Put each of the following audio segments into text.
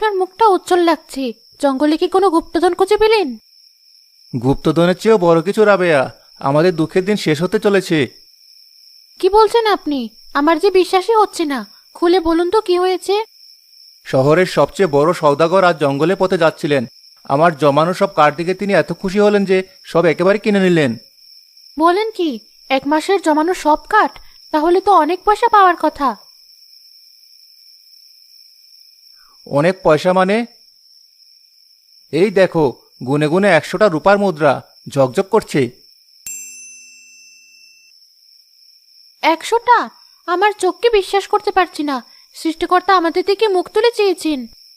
আপনার মুখটা উজ্জ্বল লাগছে। জঙ্গলে কি কোনো গুপ্তধন খুঁজে পেলেন? গুপ্তধনের চেয়েও বড় কিছু রাবেয়া, আমাদের দুঃখের দিন শেষ হতে চলেছে। কি বলছেন আপনি? আমার যে বিশ্বাসই হচ্ছে না। খুলে বলুন তো কি হয়েছে। শহরের সবচেয়ে বড় সওদাগর আজ জঙ্গলে পথে যাচ্ছিলেন। আমার জমানো সব কাঠ দেখে তিনি এত খুশি হলেন যে সব একেবারে কিনে নিলেন। বলেন কি? 1 মাসের জমানো সব কাঠ? তাহলে তো অনেক পয়সা পাওয়ার কথা। অনেক পয়সা মানে? এই দেখো, গুনে গুনে 100টা রূপার মুদ্রা ঝকঝক করছে। 100টা? আমার চোখকে বিশ্বাস করতে পারছি না। সৃষ্টিকর্তা আমাদের দিকে মুখ তুলে চেয়েছেন।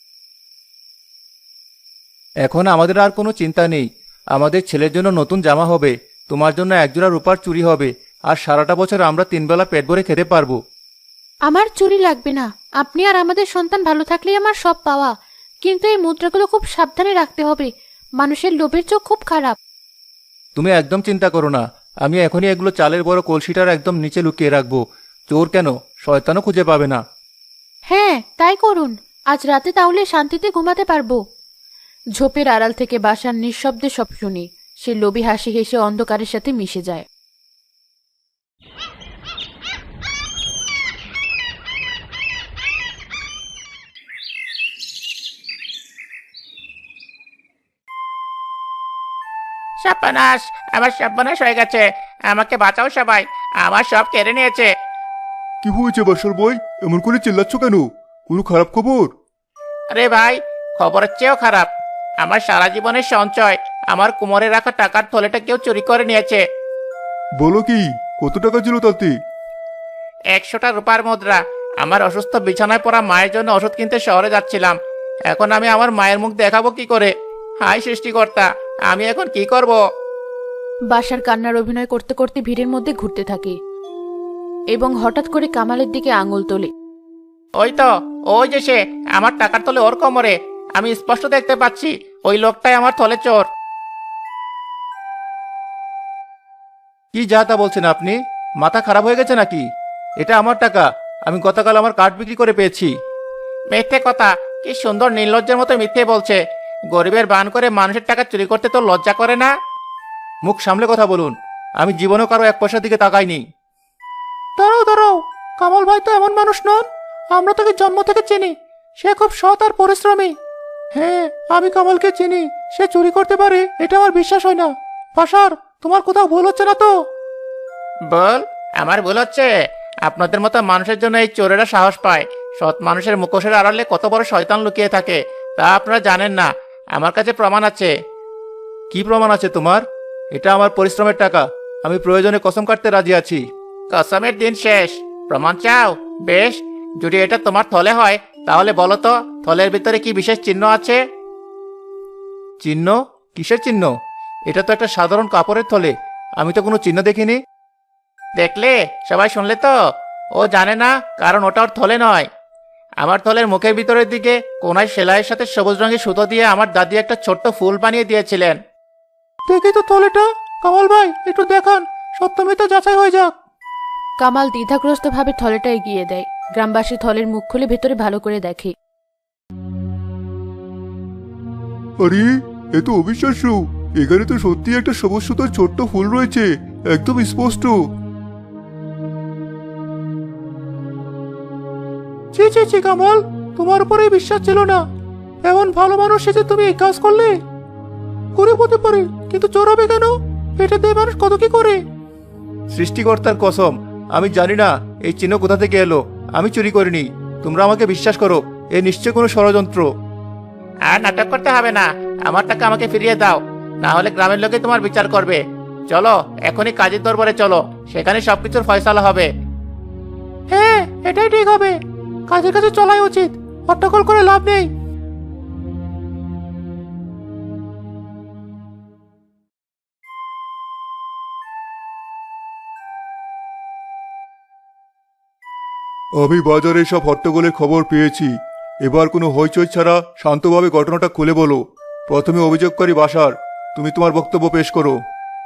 এখন আমাদের আর কোনো চিন্তা নেই। আমাদের ছেলের জন্য নতুন জামা হবে, তোমার জন্য একজোড়া রূপার চুড়ি হবে, আর সারাটা বছর আমরা 3 বেলা পেট ভরে খেতে পারবো। আমার চুরি লাগবে না। আপনি আর আমাদের সন্তান ভালো থাকলেই আমার সব পাওয়া। কিন্তু এই মুদ্রাগুলো খুব সাবধানে রাখতে হবে। মানুষের লোভের চোখ খুব খারাপ। তুমি একদম চিন্তা করো না, আমি এখনই এগুলো চালের বড় কলসিটার একদম নিচে লুকিয়ে রাখবো। চোর কেন, শয়তানও খুঁজে পাবে না। হ্যাঁ, তাই করুন। আজ রাতে তাহলে শান্তিতে ঘুমাতে পারবো। ঝোপের আড়াল থেকে বাসার নিঃশব্দে সব শুনি। সে লোভী হাসি হেসে অন্ধকারের সাথে মিশে যায়। সর্বনাশ! আমার সর্বনাশ হয়ে গেছে। আমাকে বাঁচাও সবাই, আমার সব কেড়ে নিয়েছে। কি হয়েছে বাসর বই? এমন করে চিল্লাচ্ছ কেন? কোনো খারাপ খবর? আরে ভাই, খবরের চেয়েও খারাপ। আমার সারা জীবনের সঞ্চয়, আমার কোমরে রাখা টাকার থলেটা কেউ চুরি করে নিয়েছে। বলো কি, কত টাকা ছিল তাতে? 100টা রূপার মুদ্রা। আমার অসুস্থ বিছানায় পড়া মায়ের জন্য ওষুধ কিনতে শহরে যাচ্ছিলাম। এখন আমি আমার মায়ের মুখ দেখাবো কি করে? হায় সৃষ্টিকর্তা, আমি এখন কি করব? বাসার কান্নার অভিনয় করতে করতে ভিড়ের মধ্যে ঘুরতে থাকে এবং হঠাৎ করে কামালের দিকে আঙুল তোলে। ওই তো, ওই যে সে, আমার টাকার থলে ওর কোমরে। আমি স্পষ্ট দেখতে পাচ্ছি ওই লোকটাই আমার থলে চোর। কি যা তা বলছেন আপনি? মাথা খারাপ হয়ে গেছে নাকি? এটা আমার টাকা, আমি গতকাল আমার কাঠ বিক্রি করে পেয়েছি। মিথ্যে কথা! কি সুন্দর নির্লজ্জের মতো মিথ্যে বলছে। গরিবের বান করে মানুষের টাকা চুরি করতে তো লজ্জা করে না? মুখ সামলে কথা বলুন, আমি জীবনেও কারো 1 পয়সার দিকে তাকাইনি। দাঁড়াও দাঁড়াও, কামাল ভাই তো এমন মানুষ নন। আমরা তাকে জন্ম থেকে চিনি। সে খুব সৎ আর পরিশ্রমী। হ্যাঁ, আমি কামালকে চিনি। সে চুরি করতে পারে এটা আমার বিশ্বাস হয় না। পাশার, তোমার কোথাও ভুল হচ্ছে না তো? বল, আমার ভুল হচ্ছে? আপনাদের মতো মানুষের জন্য এই চোরেরা সাহস পায়। সৎ মানুষের মুখোশের আড়ালে কত বড় শয়তান লুকিয়ে থাকে তা আপনারা জানেন না। আমার কাছে প্রমাণ আছে। কি প্রমাণ আছে তোমার? এটা আমার পরিশ্রমের টাকা, আমি প্রয়োজনে কসম কাটতে রাজি আছি। কসমের দিন শেষ। প্রমাণ চাও? বেশ, যদি এটা তোমার থলে হয় তাহলে বলো তো, থলের ভিতরে কি বিশেষ চিহ্ন আছে? চিহ্ন? কিসের চিহ্ন? এটা তো একটা সাধারণ কাপড়ের থলে, আমি তো কোনো চিহ্ন দেখিনি। দেখলে, সবাই শুনলে তো? ও জানে না, কারণ ওটা ওর থলে নয়। আমার থলের মুখের ভিতরের দিকে কোনায় সেলাইয়ের সাথে সবুজ রঙের সুতো দিয়ে আমার দাদি একটা ছোট্ট ফুল বানিয়ে দিয়েছিলেন। দেখি তো থলেটা। কামাল ভাই, একটু দেখান, সত্য মিথ্যা যাচাই হয়ে যাক। কামাল দ্বিধাগ্রস্ত ভাবে থলেটা এগিয়ে দেয়। গ্রামবাসী থলের মুখ খুলে ভেতরে ভালো করে দেখে। আরে, এ তো অবিশ্বাস্য! এখানে তো সত্যি একটা সবুজ সুতোর ছোট্ট ফুল রয়েছে, একদম স্পষ্ট। ছি ছি ছি কামাল, তোমার উপরে বিশ্বাস ছিল না। এমন ভালো মানুষ সেজে তুমি এই কাজ করলে? গরিব হতে পারে, কিন্তু চোর হবে কেন? পেটে দেয় মানুষ কত কি করে। সৃষ্টিকর্তার কসম, আমি জানি না এই চিহ্ন কোথা থেকে এলো। আমি চুরি করিনি, তোমরা আমাকে বিশ্বাস করো, এ নিশ্চয় কোনো ষড়যন্ত্র। আর নাটক করতে হবে না। আমার টাকা আমাকে ফিরিয়ে দাও, না হলে গ্রামের লোকে তোমার বিচার করবে। চলো, এখনই কাজের দরবারে চলো, সেখানে সবকিছুর ফয়সালা হবে। হ্যাঁ, এটাই ঠিক হবে। কাজের কাছে চলাই উচিত, হট্টগোল করে লাভ নেই। আমি বাজারে সব হট্টগোলের খবর পেয়েছি। এবার কোনো হইচই ছাড়া শান্তভাবে ঘটনাটা খুলে বলো। প্রথমে অভিযোগকারী বাসার, তুমি তোমার বক্তব্য পেশ করো।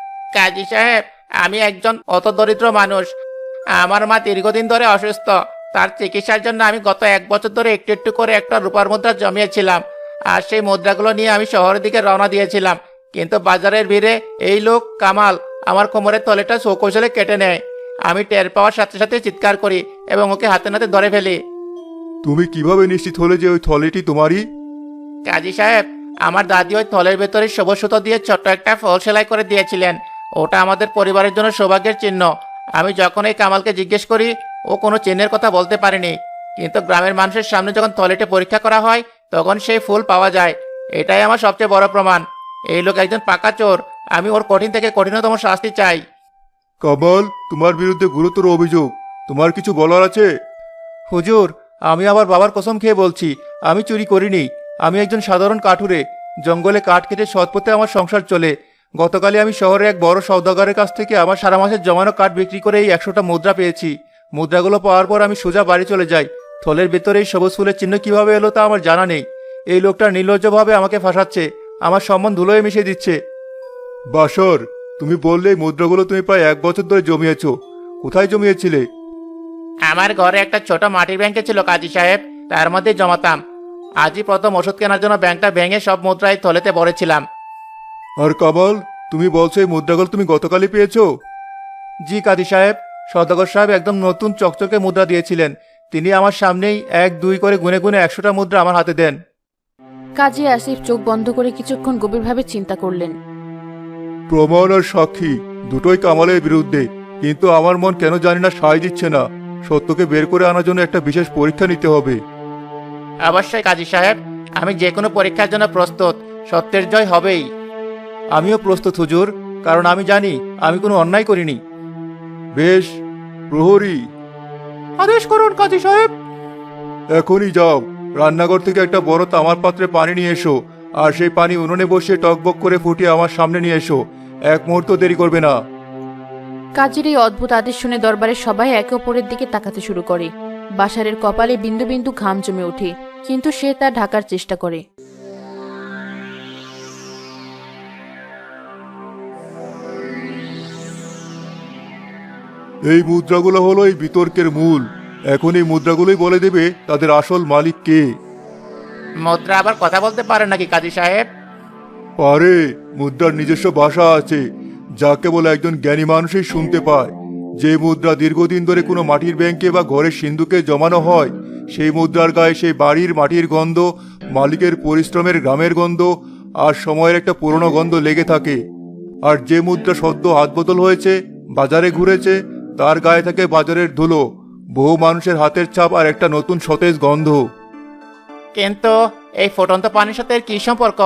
কাজী সাহেব, আমি একজন অত দরিদ্র মানুষ। আমার মা দীর্ঘদিন ধরে অসুস্থ, তার চিকিৎসার জন্য আমি গত 1 বছর ধরে একটু একটু করে একটা রূপার মুদ্রা জমিয়েছিলাম। আর সেই মুদ্রাগুলো নিয়ে আমি শহরের দিকে রওনা দিয়েছিলাম, কিন্তু বাজারের ভিড়ে এই লোক কামাল আমার কোমরের তলেটা সৌকৌশলে কেটে নেয়। আমি টের পাওয়ার সাথে সাথে চিৎকার করি এবং ওকে হাতে নাতে ধরে ফেলি। তুমি কিভাবে নিশ্চিত হলে যে ওই থলেটি তোমারই? কাজী সাহেব, আমার দাদি ওই থলের ভেতরে সবুজ সুতো দিয়ে ছোট্ট একটা ফল সেলাই করে দিয়েছিলেন। ওটা আমাদের পরিবারের জন্য সৌভাগ্যের চিহ্ন। আমি যখন এই কামালকে জিজ্ঞেস করি, ও কোনো চিহ্নের কথা বলতে পারেনি, কিন্তু গ্রামের মানুষের সামনে যখন থলেটি পরীক্ষা করা হয় তখন সেই ফুল পাওয়া যায়। এটাই আমার সবচেয়ে বড় প্রমাণ। এই লোক একজন পাকা চোর। আমি ওর কঠিন থেকে কঠিনতম শাস্তি চাই। কামাল, তোমার বিরুদ্ধে গুরুতর অভিযোগ, তোমার কিছু বলার আছে? হুজুর, আমি আমার বাবার কসম খেয়ে বলছি, আমি চুরি করিনি। আমি একজন সাধারণ কাঠুরে। জঙ্গলে কাঠ কেটে সৎপথে আমার সংসার চলে। গতকালই আমি শহরে এক বড় সওদাগরের কাছ থেকে আমার সারা মাসের জমানো কাঠ বিক্রি করে এই 100টা মুদ্রা পেয়েছি। মুদ্রাগুলো পাওয়ার পর আমি সোজা বাড়ি চলে যাই। থলের ভেতরে এই সবুজ ফুলের চিহ্ন কিভাবে এলো তা আমার জানা নেই। এই লোকটা নির্লজ্জভাবে আমাকে ফাঁসাচ্ছে, আমার সম্মান ধুলোয় মিশিয়ে দিচ্ছে। বাসর, তুমি বললে এই মুদ্রাগুলো তুমি প্রায় 1 বছর ধরে জমিয়েছো। কোথায় জমিয়েছিলে? আমার ঘরে একটা ছোট মাটির ব্যাংকে ছিল কাজী সাহেব, তার মধ্যে জমাতাম। আজই প্রথম ওষুধ কেনার জন্য ব্যাংকটা ভেঙে সব মুদ্রা এই থলেতে ভরেছিলাম। আর কামাল, তুমি বলছো এই মুদ্রাগুলো তুমি গতকালই পেয়েছো? জি কাদি সাহেব, সওদাগর সাহেব একদম নতুন চকচকে মুদ্রা দিয়েছিলেন। তিনি আমার সামনেই 1-2 করে গুনে গুনে 100টা মুদ্রা আমার হাতে দেন। কাজী আসিফ চোখ বন্ধ করে কিছুক্ষণ গভীরভাবে চিন্তা করলেন। প্রমাণ আর সাক্ষী দুটোই কামালের বিরুদ্ধে, কিন্তু আমার মন কেন জানি না সায় দিচ্ছে না। সত্যকে বের করে আনার জন্য একটা বিশেষ পরীক্ষা নিতে হবে। অবশ্যই কাজী সাহেব, আমি যে কোনো পরীক্ষার জন্য প্রস্তুত। সত্যের জয় হবেই। আমিও প্রস্তুত হুজুর, কারণ আমি জানি আমি কোনো অন্যায় করিনি। বেশ, প্রহরী আদেশ করুন কাজী সাহেব। এখনই যাও, রান্নাঘর থেকে একটা বড় তামার পাত্রে পানি নিয়ে এসো, আর সেই পানি উনুনে বসিয়ে টকবক করে ফুটিয়ে আমার সামনে নিয়ে এসো। 1 মুহূর্ত দেরি করবে না। কাজীর এই অদ্ভুত আদেশ শুনে দরবারের সবাই একে অপরের দিকে তাকাতে শুরু করে। বাশারের কপালে বিন্দু বিন্দু ঘাম জমে ওঠে, কিন্তু সে তা ঢাকার চেষ্টা করে। এই মুদ্রাগুলো হলো এই বিতর্কের মূল। এখন এই মুদ্রাগুলোই বলে দেবে তাদের আসল মালিক কে। মুদ্রা আবার কথা বলতে পারে নাকি কাজী সাহেব? পারে, মুদ্রার নিজস্ব ভাষা আছে, যা কেবল একজন জ্ঞানী মানুষই শুনতে পায়। যে মুদ্রা দীর্ঘদিন ধরে কোনো মাটির ব্যাংকে বা ঘরের সিন্ধুকে জমানো হয়, সেই মুদ্রার গায়ে সেই বাড়ির মাটির গন্ধ, মালিকের পরিশ্রমের গ্রামের গন্ধ আর সময়ের একটা পুরনো গন্ধ লেগে থাকে। আর যে মুদ্রা সদ্য হাত বদল হয়েছে, বাজারে ঘুরেছে, তার গায়ে থাকে বাজারের ধুলো, বহু মানুষের হাতের ছাপ আর একটা নতুন সতেজ গন্ধ। কিন্তু এই ফুটন্ত পানির সাথে এর কি সম্পর্ক?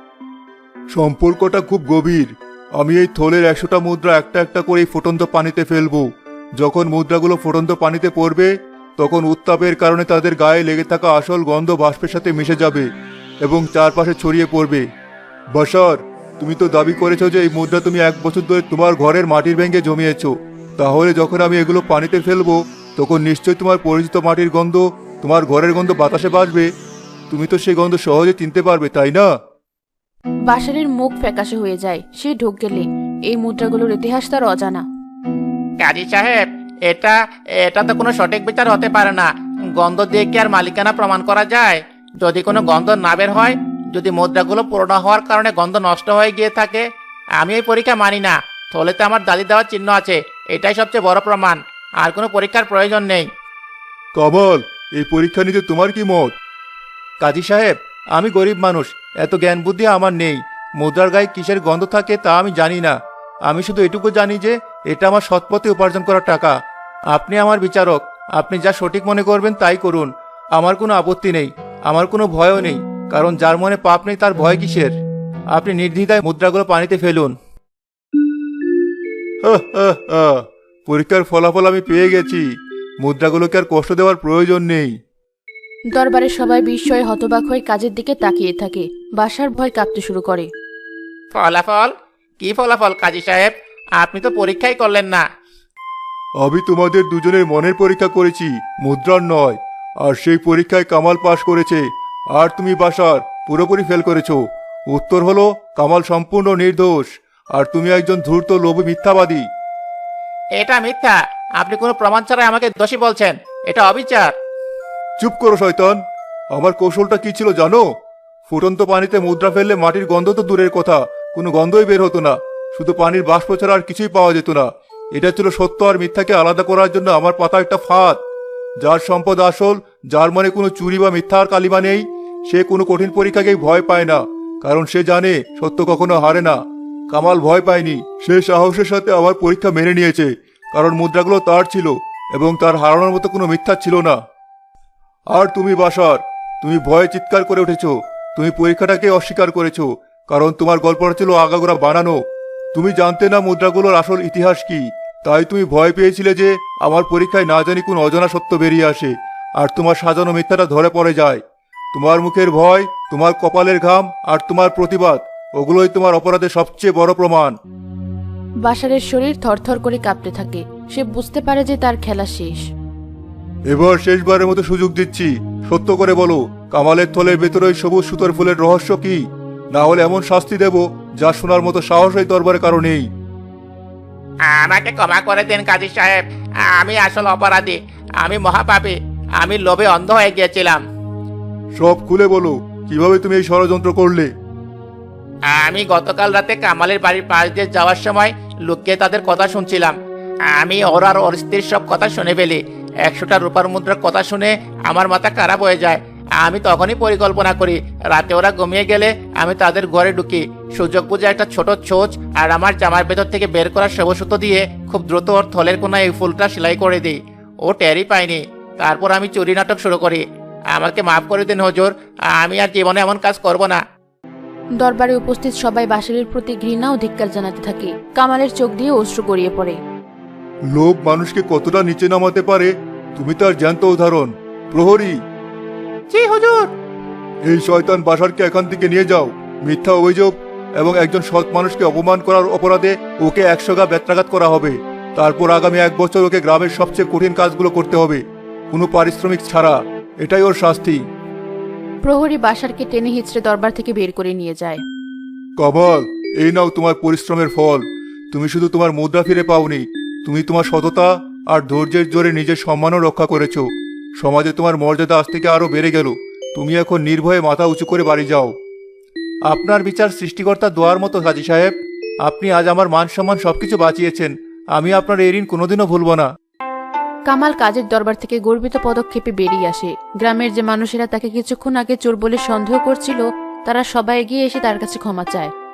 সম্পর্কটা খুব গভীর। আমি এই থলের 100টা মুদ্রা একটা একটা করে এই ফুটন্ত পানিতে ফেলবো। যখন মুদ্রাগুলো ফুটন্ত পানিতে পড়বে, তখন উত্তাপের কারণে তাদের গায়ে লেগে থাকা আসল গন্ধ বাষ্পের সাথে মিশে যাবে এবং চারপাশে ছড়িয়ে পড়বে। বাশার, তুমি তো দাবি করেছো যে এই মুদ্রা তুমি 1 বছর ধরে তোমার ঘরের মাটির ব্যাংকে জমিয়েছো। তাহলে যখন আমি এগুলো পানিতে ফেলবো, তখন নিশ্চয়ই তোমার পরিচিত মাটির গন্ধ, তোমার ঘরের গন্ধ বাতাসে বাজবে। তুমি তো সেই গন্ধ সহজে চিনতে পারবে, তাই না? বাশারের মুখ ফ্যাকাশে হয়ে যায়। সে ঢোক গেলে এই মুদ্রাগুলোর ইতিহাস তার অজানা। কাজী সাহেব, এটা এটা তো কোনো সঠিক বিচার হতে পারে না। গন্ধ দিয়ে কি আর মালিকানা প্রমাণ করা যায়? যদি কোনো গন্ধ না বের হয়, যদি মুদ্রাগুলো পুরনো হওয়ার কারণে গন্ধ নষ্ট হয়ে গিয়ে থাকে, আমি এই পরীক্ষা মানি না। থলেতে আমার দাদি দেওয়ার চিহ্ন আছে, এটাই সবচেয়ে বড় প্রমাণ। আর কোনো পরীক্ষার প্রয়োজন নেই। কামাল, এই পরীক্ষা নিতে তোমার কি মত? কাজী সাহেব, আমি গরিব মানুষ, এত জ্ঞান বুদ্ধি আমার নেই। মুদ্রার গায়ে কিসের গন্ধ থাকে তা আমি জানি না। আমি শুধু এটুকু জানি যে এটা আমার সৎপথে উপার্জন করা টাকা। আপনি আমার বিচারক, আপনি যা সঠিক মনে করবেন তাই করুন। আমার কোনো আপত্তি নেই, আমার কোনো ভয়ও নেই, কারণ যার মনে পাপ নেই তার ভয় কিসের? আপনি নির্দ্বিধায় মুদ্রাগুলো পানিতে ফেলুন। পরীক্ষার ফলাফল আমি পেয়ে গেছি। মুদ্রাগুলোকে আর কষ্ট দেওয়ার প্রয়োজন নেই। দরবারের সবাই বিস্ময়ে হতবাক হয়ে কাজের দিকে তাকিয়ে থাকে। বাশার ভয় কাঁপতে শুরু করে। ফলাফল? কি ফলাফল কাজী সাহেব? আপনি তো পরীক্ষাই করলেন না। আমি তোমাদের দুজনের মনের পরীক্ষা করেছি, মুদ্রার নয়। আর সেই পরীক্ষায় কামাল পাশ করেছে, আর তুমি বাশার পুরোপুরি ফেল করেছো। উত্তর হলো কামাল সম্পূর্ণ নির্দোষ, আর তুমি একজন ধূর্ত লোভী মিথ্যাবাদী। এটা মিথ্যা। আপনি কোনো প্রমাণ ছাড়াই আমাকে দোষী বলছেন। এটা অবিচার। চুপ করো শয়তান। আমার কৌশলটা কি ছিল জানো? ফুটন্ত পানিতে মুদ্রা ফেললে মাটির গন্ধ তো দূরের কথা, কোনো গন্ধই বের হতো না। শুধু পানির বাষ্প ছাড়া আর কিছুই পাওয়া যেত না। এটা ছিল সত্য আর মিথ্যাকে আলাদা করার জন্য আমার পাতা একটা ফাঁদ। যার সম্পদ আসল, যার মনে কোনো চুরি বা মিথ্যার কালিমা নেই, সে কোনো কঠিন পরীক্ষাকেই ভয় পায় না, কারণ সে জানে সত্য কখনো হারে না। কামাল ভয় পায়নি, সে সাহসের সাথে আমার পরীক্ষা মেনে নিয়েছে, কারণ মুদ্রাগুলো তার ছিল এবং তার হারানোর মতো কোনো মিথ্যা ছিল না। আর তুমি বাশার, তুমি ভয়ে চিৎকার করে উঠেছো। তুমি পরীক্ষাটাকে অস্বীকার করেছো, কারণ তোমার গল্পটা ছিল আগাগোড়া বানানো। তুমি জানতে না মুদ্রাগুলোর আসল ইতিহাস কি, তাই তুমি ভয় পেয়েছিলে যে আমার পরীক্ষায় না জানি কোন অজানা সত্য বেরিয়ে আসে আর তোমার সাজানো মিথ্যাটা ধরে পড়ে যায়। তোমার মুখের ভয়, তোমার কপালের ঘাম আর তোমার প্রতিবাদ, ওগুলোই তোমার অপরাধের সবচেয়ে বড় প্রমাণ। বাশারের শরীর থরথর করে কাঁপতে থাকে। সে বুঝতে পারে যে তার খেলা শেষ। এবার শেষবারের মতো সুযোগ দিচ্ছি, সত্য করে বলো, কামালের থলের ভেতরে ওই সবুজ সুতোর ফুলের রহস্য কি? না হলে এমন শাস্তি দেব যা শোনার মতো সাহস এই দরবারে কারো নেই। আমাকে ক্ষমা করে দেন কাজী সাহেব, আমি আসল অপরাধী, আমি মহাপাপী, আমি লোভে অন্ধ হয়ে গিয়েছিলাম। সব খুলে বলো, কিভাবে তুমি এই ষড়যন্ত্র করলে? আমি গতকাল রাতে কামালের বাড়ির পাশ দিয়ে যাওয়ার সময় লুকিয়ে তাদের কথা শুনছিলাম। আমি ওর আর ওর স্ত্রীর সব কথা শুনে ফেলি। 100টা রূপার মুদ্রার কথা শুনে আমার মাথা খারাপ হয়ে যায়। আমি তখনই পরিকল্পনা করি, রাতে ওরা ঘুমিয়ে গেলে আমি তাদের ঘরে ঢুকি, সুযোগ বুঝে একটা ছোট ছোঁচ আর আমার জামার ভেতর থেকে বের করা সবুজ সুতো দিয়ে খুব দ্রুত ওর থলের কোনায় এই ফুলটা সেলাই করে দিই। ও টেরই পায়নি। তারপর আমি চুরি নাটক শুরু করি। আমাকে মাফ করে দিন হুজুর, আমি আর জীবনে এমন কাজ করব না। দরবারে উপস্থিত সবাই বাশারের প্রতি ঘৃণা ও ধিক্কার জানাতে থাকে। কামালের চোখ দিয়ে অশ্রু গড়িয়ে পড়ে। লোভ মানুষকে কতটা নিচে নামাতে পারে তুমি তার জ্যান্ত উদাহরণ। প্রহরী, জি হুজুর। এই শয়তান বাশারকে এখান থেকে নিয়ে যাও। মিথ্যা অভিযোগ এবং একজন সৎ মানুষকে অপমান করার অপরাধে ওকে 100 গা বেত্রাঘাত করা হবে। তারপর আগামী 1 বছর ওকে গ্রামের সবচেয়ে কঠিন কাজগুলো করতে হবে, কোনো পারিশ্রমিক ছাড়া। এটাই ওর শাস্তি। প্রহরী বাশারকে টেনে হিচড়ে দরবার থেকে বের করে নিয়ে যায়। কামাল, এই নাও তোমার পরিশ্রমের ফল। তুমি শুধু তোমার মুদ্রা ফিরে পাওনি, তুমি তোমার সততা আর ধৈর্যের জোরে নিজের সম্মানও রক্ষা করেছো। সমাজে তোমার মর্যাদা আজ থেকে আরো বেড়ে গেল। তুমি এখন নির্ভয়ে মাথা উঁচু করে বাড়ি যাও। আপনার বিচার সৃষ্টিকর্তা দোয়ার মতো কাজী সাহেব। আপনি আজ আমার মান সম্মান সবকিছু বাঁচিয়েছেন। আমি আপনার এই ঋণ কোনোদিনও ভুলব না। কামাল কাজের দরবার থেকে গর্বিত পদক্ষেপে বেরিয়ে আসে। গ্রামের যে মানুষেরা তাকে কিছুক্ষণ আগে চোর বলে সন্দেহ করছিল, তারা সবাই এগিয়ে এসে তার কাছে ক্ষমা চায়।